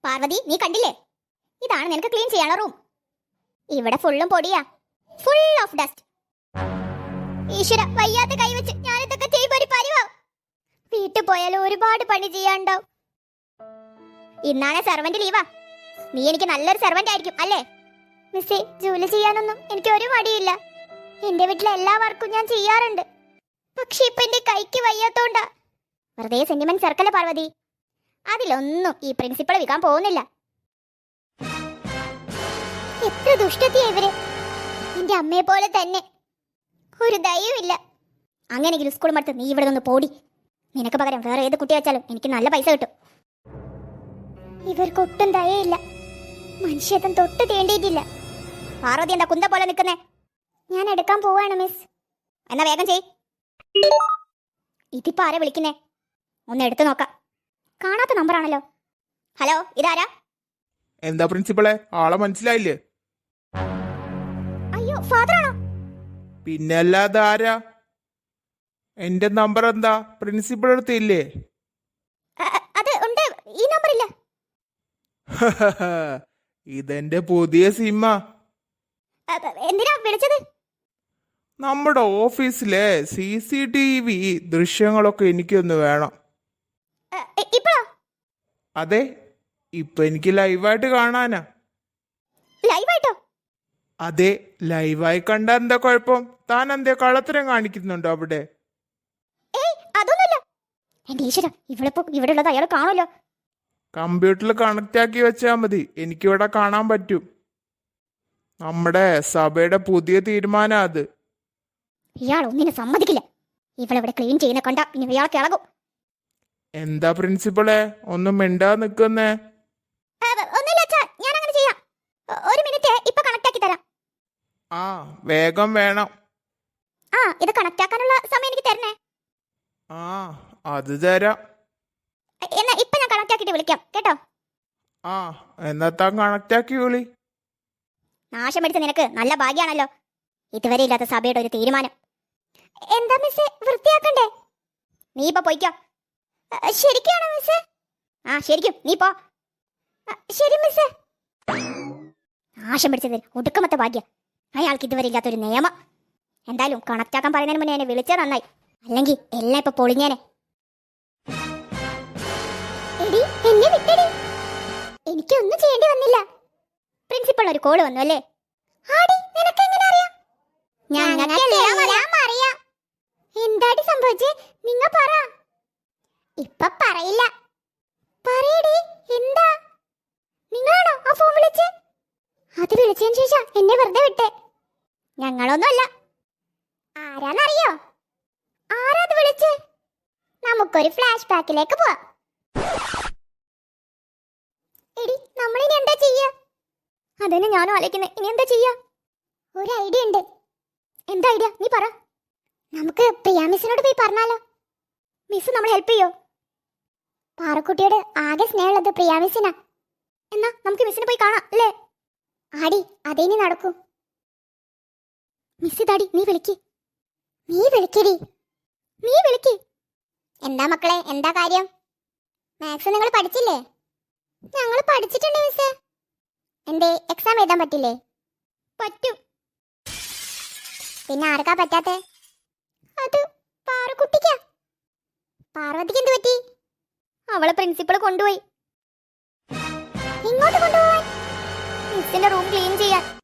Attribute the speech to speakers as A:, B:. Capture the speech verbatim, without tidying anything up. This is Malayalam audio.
A: പാർവതി, നീ കണ്ടില്ലേ? ഇതാണ് നിനക്ക് ക്ലീൻ ചെയ്യാനുള്ള റൂം. ഇവിടെ ഫുള്ളും പൊടിയാ, ഫുൾ ഓഫ് ഡസ്റ്റ്. ഈശ്വര, വയ്യാത്ത കൈവച്ച് ഞാനിതൊക്കെ ചെയ്യുമ്പോ ഒരു പരിവാ. വീട്ടിൽ പോയാലും ഒരുപാട് പണി ചെയ്യാണ്ടാവും. ഇന്നാണ് സെർവന്റ് ലീവാ. നീ എനിക്ക് നല്ലൊരു സെർവന്റ് ആയിരിക്കും അല്ലേ? മിസ്സേ, ജോലി ചെയ്യാനൊന്നും എനിക്ക് ഒരു മടിയില്ല. എന്റെ വീട്ടിലെ എല്ലാ വർക്കും ഞാൻ ചെയ്യാറുണ്ട്. പക്ഷെ ഇപ്പൊ എന്റെ കൈക്ക് വയ്യാത്തോണ്ടാ. വെറുതെ സെന്റിമെന്റ് സർക്കല്ലേ പാർവതി. അതിലൊന്നും ഈ പ്രിൻസിപ്പൾ വിൽക്കാൻ പോകുന്നില്ല. എത്ര ദുഷ്ടത്തിയാ ഇവര്. എന്റെ അമ്മയെ പോലെ തന്നെ ഒരു ദയവുമില്ല. അങ്ങനെയെങ്കിലും സ്കൂൾ മടുത്ത് നീ ഇവിടെ നിന്ന് പോടി. നിനക്ക് പകരം വേറെ ഏത് കുട്ടി വെച്ചാലും എനിക്ക് നല്ല പൈസ കിട്ടും. ഇവർക്കൊട്ടും ദയയില്ല. മനുഷ്യത്വം തൊട്ട് തേണ്ടിയിട്ടില്ല. പാർവതി എന്താ കുന്ത പോലെ നിൽക്കുന്നേ? ഞാൻ എടുക്കാൻ പോവാണ് മിസ്. എന്നാ വേഗം ചെയ്. ഇതിപ്പോ ആരാ വിളിക്കുന്നേ? ഒന്ന് എടുത്തു നോക്കാം. കാണാത്ത നമ്പറാണല്ലോ. ഹലോ, ഇതാരാ?
B: എന്താ പ്രിൻസിപ്പളെ, ആളെ മനസ്സിലായില്ലേ?
A: അയ്യോ, ഫാദർ ആണോ?
B: പിന്നെ അല്ലാതെ ആരാ? എന്റെ നമ്പർ എന്താ പ്രിൻസിപ്പൾ അടുത്ത് ഇല്ലേ?
A: അത് ഉണ്ട്, ഈ നമ്പർ ഇല്ല.
B: ഇതെന്റെ പുതിയ സിമ്മ.
A: എന്തിനാ വിളിച്ചത്?
B: നമ്മുടെ ഓഫീസിലെ സി സി ടി വി ദൃശ്യങ്ങളൊക്കെ എനിക്കൊന്ന് വേണം.
A: ഇപ്പോഴോ?
B: അതെ, ഇപ്പൊ എനിക്ക് ലൈവായിട്ട് കാണാനാ.
A: ലൈവായിട്ടോ?
B: അതെ, ലൈവായി കണ്ട എന്താ കുഴപ്പം? താൻ എന്തേ കള്ളത്തരം കാണിക്കുന്നുണ്ടോ അവിടെ?
A: ഏയ്, അതൊന്നുമില്ല. എന്റെ ഈശ്വര, ഇവിടെപ്പോ ഇവിടെ ഉള്ളത് അയാൾ കാണുമല്ലോ.
B: കമ്പ്യൂട്ടറിൽ കണക്ട് ആക്കി വെച്ചാൽ മതി, എനിക്കിവിടെ കാണാൻ പറ്റും. നമ്മുടെ സഭയുടെ പുതിയ തീരുമാനം അത്.
A: ഇയാൾ ഒന്നിനെ സമ്മതിക്കില്ല. ഇവളിവിടെ ക്ലീൻ ചെയ്യുന്ന കണ്ട ഇനി ഇയാൾ കിളകും.
B: എന്താ പ്രിൻസിപ്പളെ ഒന്നും മിണ്ടാ നിക്കുന്നേ?
A: ഞാൻ അങ്ങനെ ചെയ്യാം. ഒരു മിനിറ്റ്, ഇപ്പൊ കണക്ട് ആക്കി തരാം.
B: ആ, വേഗം വേണം.
A: ആ, ഇത് കണക്ട് ആക്കാനുള്ള സമയം എനിക്ക് തരണേ.
B: ആ, അത് തരാം.
A: എന്നാ ഇപ്പൊ ഞാൻ കണക്ട് ആക്കിട്ട് വിളിക്കാം കേട്ടോ.
B: ആ, എന്നാ താൻ കണക്ട് ആക്കി വിളി.
A: നാശം പിടിച്ച നിനക്ക് നല്ല ഭാഗ്യാണല്ലോ. ഇതുവരെ ഇല്ലാത്ത സഭയുടെ ഒരു തീരുമാനം. എന്താ മിസ്സേ, വൃത്തിയാക്കണ്ടേ? നീ ഇപ്പൊ പോയിക്കോ. ശരിക്കാണോ മിസ്സേ? ആ, ശരിക്കും നീ പോ. ശരി മിസ്സേ. നാശം പിടിച്ചത് ഒടുക്കമത്തെ ഭാഗ്യ. അയാൾക്ക് ഇതുവരെ ഇല്ലാത്തൊരു നിയമം. എന്തായാലും കണക്ട് ആക്കാൻ പറയുന്നതിന് മുന്നേ എന്നെ വിളിച്ചത് നന്നായി. അല്ലെങ്കിൽ എല്ലാം ഇപ്പൊ പൊളിഞ്ഞേനെ. എടി, എന്നെ വിട്ടടി. എനിക്കൊന്നും ചെയ്യേണ്ടി വന്നില്ല. പ്രിൻസിപ്പൾ ഒരു കോള് വന്നു അല്ലേ? ആടി, നിനക്ക് എങ്ങനെ അറിയാം? ഞങ്ങൾക്കെല്ലാം അറിയാം. എന്താടി സംഭവിച്ചേ? നിങ്ങ പറ. ഇപ്പൊ പറയില്ല. പറയടി, എന്താ? നിങ്ങളാണോ ആ ഫോൺ വിളിച്ചേ? അത് വിളിച്ചതിന് ശേഷം എന്നെ വെറുതെ വിട്ടേ. ഞങ്ങളൊന്നുമല്ല. ആരാന്നറിയോ? ആരാത് വിളിച്ചേ? നമുക്കൊരു ഫ്ലാഷ് ബാക്കിലേക്ക് പോവാം. എടി, നമ്മളിനി എന്താ ചെയ്യാ? അതന്നെ ഞാനും ആലോചിക്കുന്നേ. ഇനി എന്താ ചെയ്യാ? ഒരു ഐഡിയ ഉണ്ട്. എന്താ ഐഡിയ? നീ പറ. നമുക്ക് പ്രിയ മിസ്സിനോട് പോയി പറഞ്ഞാലോ? മിസ് നമ്മളെ ഹെൽപ്പ് ചെയ്യോ? പാറക്കുട്ടിയോട് ആകെ സ്നേഹമുള്ളത് പ്രിയ മിസ്സിനാ. എന്നാ നമുക്ക് മിസ്സിനെ പോയി കാണാം അല്ലേ? ആടി, അതേ നീ നടക്കൂ. മിസ് ഇതാടി, നീ വിളിക്ക്. നീ വിളിക്കടി, നീ വിളിക്ക്. എന്താ മക്കളെ, എന്താ കാര്യം? മാത്സ് നിങ്ങൾ പഠിച്ചില്ലേ? ഞങ്ങൾ പഠിച്ചിട്ടുണ്ട് മിസ്സേ. എന്തേ, എക്സാം എഴുതാൻ പറ്റില്ലേ? പറ്റും. പിന്നെ ആർക്കാ പറ്റാത്തെ? അത് പാറക്കുട്ടിക്കാ. പാർവതിക്ക് എന്ത് പറ്റി? അവളെ പ്രിൻസിപ്പൾ കൊണ്ടുപോയി. ഇങ്ങോട്ട് കൊണ്ടുപോവാൻ? മിസ്സിന്റെ റൂം ക്ലീൻ ചെയ്യാൻ.